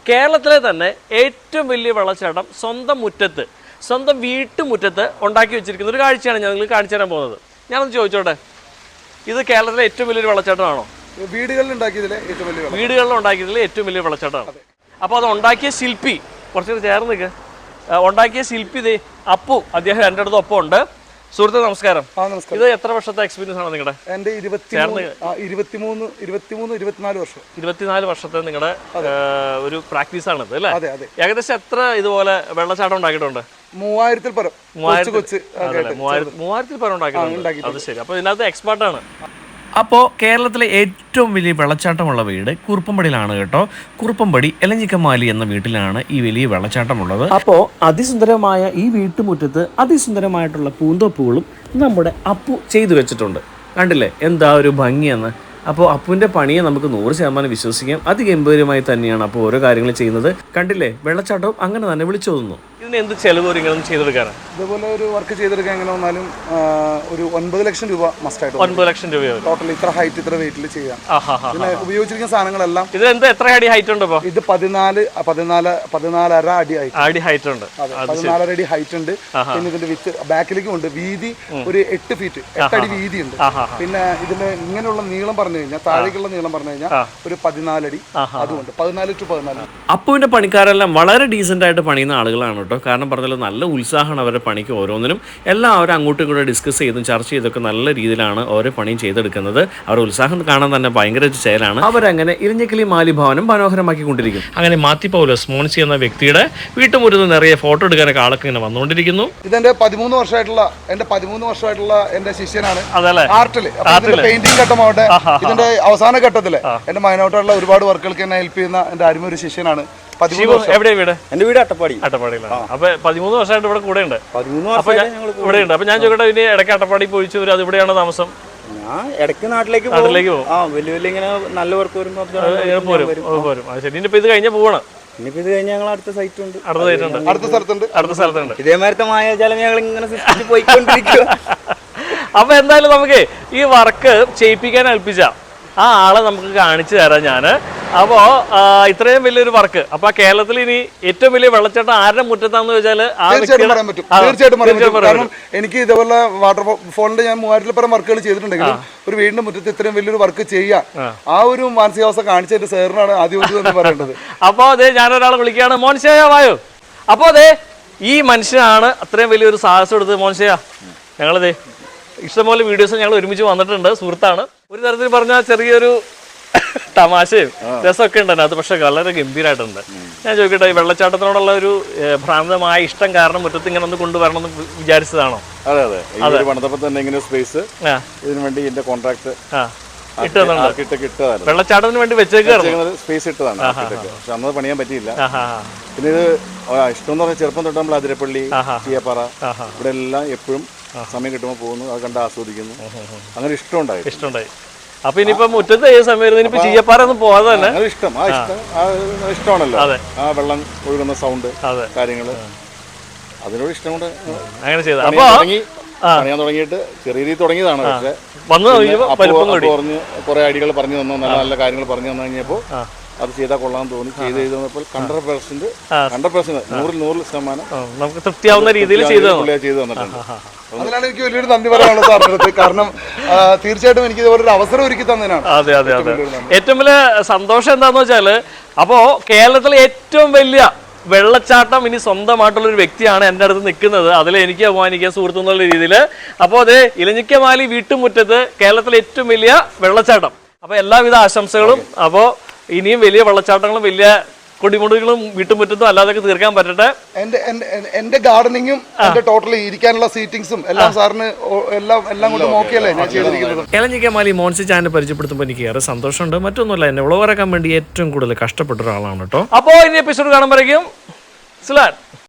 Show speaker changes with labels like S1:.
S1: കേരളത്തിലെ തന്നെ ഏറ്റവും വലിയ വെള്ളച്ചാട്ടം സ്വന്തം മുറ്റത്ത്, സ്വന്തം വീട്ടുമുറ്റത്ത് ഉണ്ടാക്കി വെച്ചിരിക്കുന്ന ഒരു കാഴ്ചയാണ് ഞാൻ നിങ്ങൾക്ക് കാണിച്ചു തരാൻ പോകുന്നത്. ഞാനൊന്ന് ചോദിച്ചോട്ടെ, ഇത് കേരളത്തിലെ ഏറ്റവും വലിയൊരു വെള്ളച്ചാട്ടമാണോ?
S2: വീടുകളിൽ ഉണ്ടാക്കിയതിലെ
S1: ഏറ്റവും വലിയ വെള്ളച്ചാട്ടമാണ്. അപ്പോൾ അത് ഉണ്ടാക്കിയ ശില്പി, കുറച്ചുകൂടി ചേർന്ന് നിൽക്കുക, ഉണ്ടാക്കിയ ശില്പി ദേ അപ്പു, അദ്ദേഹം എൻ്റെ അടുത്ത് ഒപ്പം ഉണ്ട്. സുഹൃത്തെ നമസ്കാരം. ഇത് എത്ര വർഷത്തെ എക്സ്പീരിയൻസ് ആണ് നിങ്ങളുടെ?
S2: എൻ്റെ
S1: 24 വർഷത്തെ നിങ്ങളുടെ ഒരു പ്രാക്ടീസ് ആണ് ഇത് അല്ലേ? ഏകദേശം എത്ര ഇതുപോലെ വെള്ളച്ചാട്ടം ഉണ്ടാക്കിയിട്ടുണ്ട്?
S2: 3000-ൽ പരം.
S1: 3000-ൽ പരം ഉണ്ടാക്കിയിട്ടുണ്ട്. അത് ശരി. അപ്പോൾ ഇതിനകത്ത് എക്സ്പേർട്ടാണ്. അപ്പോൾ കേരളത്തിലെ ഏറ്റവും വലിയ വെള്ളച്ചാട്ടമുള്ള വീട് കുറുപ്പമ്പടിയിലാണ് കേട്ടോ. കുറുപ്പമ്പടി എലഞ്ഞിക്കമാലി എന്ന വീട്ടിലാണ് ഈ വലിയ വെള്ളച്ചാട്ടമുള്ളത്. അപ്പോൾ അതിസുന്ദരമായ ഈ വീട്ടുമുറ്റത്ത് അതിസുന്ദരമായിട്ടുള്ള പൂന്തോപ്പുകളും നമ്മുടെ അപ്പു ചെയ്തു വെച്ചിട്ടുണ്ട്. കണ്ടില്ലേ എന്താ ഒരു ഭംഗിയെന്ന്. അപ്പോൾ അപ്പുവിൻ്റെ പണിയെ നമുക്ക് 100% വിശ്വസിക്കാം. അതിഗംഭീരമായി തന്നെയാണ് അപ്പോൾ ഓരോ കാര്യങ്ങൾ ചെയ്യുന്നത്. കണ്ടില്ലേ, വെള്ളച്ചാട്ടവും അങ്ങനെ തന്നെ വിളിച്ചോതുന്നു. ഇതിന് എന്ത് ചെലവ് ഇങ്ങനെ ചെയ്തെടുക്കാനാണ്?
S2: ഇതുപോലെ ഒരു വർക്ക് ചെയ്തെടുക്കാൻ എങ്ങനെ വന്നാലും ഒരു 9 ലക്ഷം രൂപ മസ്റ്റായിട്ട്.
S1: 9 ലക്ഷം രൂപ
S2: ടോട്ടൽ ഇത്ര ഹൈറ്റ് ഇത്ര വെയിറ്റിൽ ചെയ്യാം. ഇതിന് ഉപയോഗിച്ചിരിക്കുന്ന സാധനങ്ങളെല്ലാം.
S1: ഇത് എത്ര അടി ഹൈറ്റ് ഉണ്ട്?
S2: ഇത് 14.5 അടി ഹൈറ്റ് ഉണ്ട്. 14 അടി ഹൈറ്റ് ഉണ്ട്. പിന്നെ ഇതിന്റെ വിത്ത് ബാക്കിലേക്കും ഉണ്ട്. വീതി ഒരു 8 ഫീറ്റ്, 8 അടി വീതി ഉണ്ട്. പിന്നെ ഇതിന്റെ ഇങ്ങനെയുള്ള നീളം പറഞ്ഞു കഴിഞ്ഞാൽ, താഴേക്കുള്ള നീളം പറഞ്ഞു കഴിഞ്ഞാൽ ഒരു 14 അടി. അതുകൊണ്ട് 14 to 14.
S1: അപ്പുവിന്റെ പണിക്കാരെല്ലാം വളരെ ഡീസന്റ് ആയിട്ട് പണിയുന്ന ആളുകളാണ് കേട്ടോ. കാരണം പറഞ്ഞാൽ നല്ല ഉത്സാഹമാണ് അവരുടെ പണിക്ക്. ഓരോന്നിനും എല്ലാം അവർ അങ്ങോട്ടും ഇങ്ങോട്ടും ഡിസ്കസ് ചെയ്തും ചർച്ച ചെയ്തൊക്കെ നല്ല രീതിയിലാണ് ഓരോ പണിയും ചെയ്തെടുക്കുന്നത്. അവരുടെ ഉത്സാഹം കാണാൻ തന്നെ ഭയങ്കര ചേലാണ്. അവരങ്ങനെ ഇരിഞ്ഞക്കിളി മാലി ഭവനം മനോഹരമാക്കിക്കൊണ്ടിരിക്കും. അങ്ങനെ മാത്യു പൗലോസ് മോൻസി എന്ന വ്യക്തിയുടെ വീട്ടുമുറ്റത്ത് നിറയെ ഫോട്ടോ എടുക്കാനൊക്കെ ആളൊക്കെ ഇങ്ങനെ വന്നുകൊണ്ടിരിക്കുന്നു.
S2: ഇതെന്റെ 13 വർഷമായിട്ടുള്ള എന്റെ ശിഷ്യനാണ് ആർട്ടില്. പെയിന്റിംഗ് ഘട്ടമാവട്ടെ, ഇതിന്റെ അവസാന ഘട്ടത്തില് എന്റെ മൈനോട്ടായിട്ടുള്ള ഒരുപാട് വർക്കുകൾക്ക് എന്നെ ഹെൽപ്പ് ചെയ്യുന്ന എന്റെ അരുമ ഒരു ശിഷ്യനാണ്. എവിടെയാ വീട്? എന്റെ വീട് അട്ടപ്പാടിയിലാണ്. അപ്പൊ 13 വർഷമായിട്ട് ഇവിടെ കൂടെ ഉണ്ട്. ഇവിടെ ഉണ്ട്. അപ്പൊ ഞാൻ ചോദിക്കട്ടെ, ഇനി ഇടയ്ക്ക് അട്ടപ്പാടി പോയിച്ചു വരും, അത് ഇവിടെയാണോ താമസം?
S3: ഞാൻ ഇടയ്ക്ക് നാട്ടിലേക്ക് പോകും. വലിയ ഇങ്ങനെ നല്ല വർക്ക് വരുമ്പോൾ
S1: പോരും. ശരി. ഇനിയിപ്പോ ഇത് കഴിഞ്ഞാൽ പോവാണ്.
S3: ഇനിയിപ്പോ ഇത് കഴിഞ്ഞാൽ ഞങ്ങൾ അടുത്ത സൈറ്റ് ഉണ്ട്,
S2: അടുത്ത സ്ഥലത്തുണ്ട്.
S3: ഇതേമാരത്തെ മായാജാലം ഞങ്ങൾ ഇങ്ങനെ സൃഷ്ടിച്ച് പോയിക്കൊണ്ടിരിക്കുക.
S1: അപ്പൊ എന്തായാലും നമുക്ക് ഈ വർക്ക് ചെയ്യിപ്പിക്കാൻ ഏൽപ്പിച്ച ആ ആളെ നമുക്ക് കാണിച്ചു തരാം ഞാൻ. അപ്പോൾ ഇത്രയും വലിയൊരു വർക്ക്, അപ്പൊ കേരളത്തിൽ ഇനി ഏറ്റവും വലിയ വെള്ളച്ചാട്ടം ആരുടെ മുറ്റത്താന്ന് ചോദിച്ചാൽ
S2: തീർച്ചയായിട്ടും പറയാൻ പറ്റും. കാരണം എനിക്ക് ഇതേപോലെ വാട്ടർഫോളിന്റെ ഞാൻ 3000-ൽ പരം വർക്കുകൾ ചെയ്തിട്ടുണ്ടെങ്കിലും ഒരു വീടിന്റെ മുറ്റത്ത് ഇത്രയും വലിയൊരു വർക്ക് ചെയ്യാൻ ആ ഒരു മാനസികാവസ്ഥ കാണിച്ചതിന്റെ സാറിനാണ് ആദ്യം എന്ന് പറയേണ്ടത്.
S1: അപ്പോൾ അതെ, ഞാനൊരാളെ വിളിക്കുകയാണ്. മോൻഷയ വായോ. അപ്പോൾ അതെ, ഈ മനുഷ്യനാണ് അത്രയും വലിയൊരു സാഹസം എടുത്തത്. മോൻഷയ, ഞങ്ങളതേ ഇഷ്ടംപോലെ വീഡിയോസ് ഞങ്ങൾ ഒരുമിച്ച് വന്നിട്ടുണ്ട്. സുഹൃത്താണ്. ഒരു തരത്തിൽ പറഞ്ഞാൽ ചെറിയൊരു തമാശയും രസമൊക്കെ ഉണ്ട് അത്, പക്ഷെ വളരെ ഗംഭീരമായിട്ടുണ്ട്. ഞാൻ ചോദിക്കട്ടെ, ഈ വെള്ളച്ചാട്ടത്തിനോടുള്ള ഒരു ഭ്രാന്തമായ ഇഷ്ടം കാരണം മുറ്റത്ത് ഇങ്ങനെ ഒന്ന് കൊണ്ടുവരണം എന്ന് വിചാരിച്ചതാണോ?
S4: അതെ. പണിതപ്പോൾ തന്നെ ഇങ്ങനെ സ്പേസ് ഇതിനു വേണ്ടി എന്റെ കോൺട്രാക്ട്
S1: വെള്ളച്ചാട്ടത്തിന് വേണ്ടി വെച്ചേക്കായിരുന്നു.
S4: സ്പേസ് ഇട്ടതാണ്. പക്ഷെ അന്നത് പണിയാൻ പറ്റിയില്ല. പിന്നെ ഇത് ഇഷ്ടം എന്ന് പറഞ്ഞാൽ ചെറുപ്പം തൊട്ട് നമ്മൾ അതിരപ്പള്ളി, ചീയപ്പാറ, ഇവിടെ എല്ലാം എപ്പോഴും സമയം കിട്ടുമ്പോൾ പോകുന്നു, അത് കണ്ട് ആസ്വദിക്കുന്നു. അങ്ങനെ ഇഷ്ടമുണ്ടായി.
S1: അപ്പൊ ഇനിയിപ്പോ മുറ്റത്ത് ഏത് സമയം ഇനിയിപ്പോ ചീയപ്പാറ ഒന്നും പോകാതെ തന്നെ
S4: ഇഷ്ടമാണല്ലോ. ആ വെള്ളം ഒഴുകുന്ന സൗണ്ട്, കാര്യങ്ങള്, അതിനോട് ഇഷ്ടം കൊണ്ട്
S1: അങ്ങനെ ചെയ്ത
S4: പണിയാൻ തുടങ്ങിയിട്ട് ചെറിയ രീതിയിൽ തുടങ്ങിയതാണ്. പക്ഷെ പറഞ്ഞ് കുറെ ഐഡിയകൾ പറഞ്ഞു തന്നു, നല്ല നല്ല കാര്യങ്ങൾ പറഞ്ഞു തന്നു കഴിഞ്ഞപ്പോൾ അത് ചെയ്താൽ കൊള്ളാൻ തോന്നി. ചെയ്ത് ചെയ്തപ്പോൾ 100% 100%
S1: നമുക്ക് തൃപ്തിയാവുന്ന രീതിയിൽ ചെയ്തു
S4: തന്നിട്ടുണ്ട്.
S2: അതിനാണ് എനിക്ക് വലിയൊരു നന്ദി പറയാനുള്ളത് സാറിന്റെ അടുത്ത്. കാരണം തീർച്ചയായിട്ടും എനിക്ക് ഇതുപോലെ ഒരു അവസരം ഒരുക്കി തന്നതിനാണ്.
S1: അതെ. ഏറ്റവും വലിയ സന്തോഷം എന്താന്ന് വെച്ചാല്, അപ്പോ കേരളത്തിലെ ഏറ്റവും വലിയ വെള്ളച്ചാട്ടം ഇനി സ്വന്തമായിട്ടുള്ളൊരു വ്യക്തിയാണ് എൻ്റെ അടുത്ത് നിൽക്കുന്നത്. അതിൽ എനിക്ക് അഭിമാനിക്കാൻ സുഹൃത്തു എന്നുള്ള രീതിയിൽ. അപ്പോൾ അത് ഇലഞ്ഞിക്കമാലി വീട്ടുമുറ്റത്ത് കേരളത്തിലെ ഏറ്റവും വലിയ വെള്ളച്ചാട്ടം. അപ്പോൾ എല്ലാവിധ ആശംസകളും. അപ്പോൾ ഇനിയും വലിയ വെള്ളച്ചാട്ടങ്ങളും വലിയ കൊടിമുടികളും വീട്ടുമുറ്റത്തും അല്ലാതൊക്കെ തീർക്കാൻ പറ്റട്ടെ.
S2: എന്റെ ഗാർഡനിങ്ങും എന്റെ ടോട്ടലി ഇരിക്കാനുള്ള സീറ്റിംഗ്സും എല്ലാം സാറിന് എല്ലാം കൊണ്ട് നോക്കിയല്ലേ ഞാൻ ചെയ്തിരിക്കുന്നത്.
S1: ഇലഞ്ഞിക്കമാലി മോൻസി ചാനൽ പരിചയപ്പെടുത്തുമ്പോൾ എനിക്ക് ഏറെ സന്തോഷമുണ്ട്. മറ്റൊന്നുമല്ല, എന്നെ വിളവറക്കാൻ വേണ്ടി ഏറ്റവും കൂടുതൽ കഷ്ടപ്പെട്ട ഒരാളാണ് കേട്ടോ. അപ്പോൾ ഇനി എപ്പിസോഡ് കാണുമ്പോഴേക്കും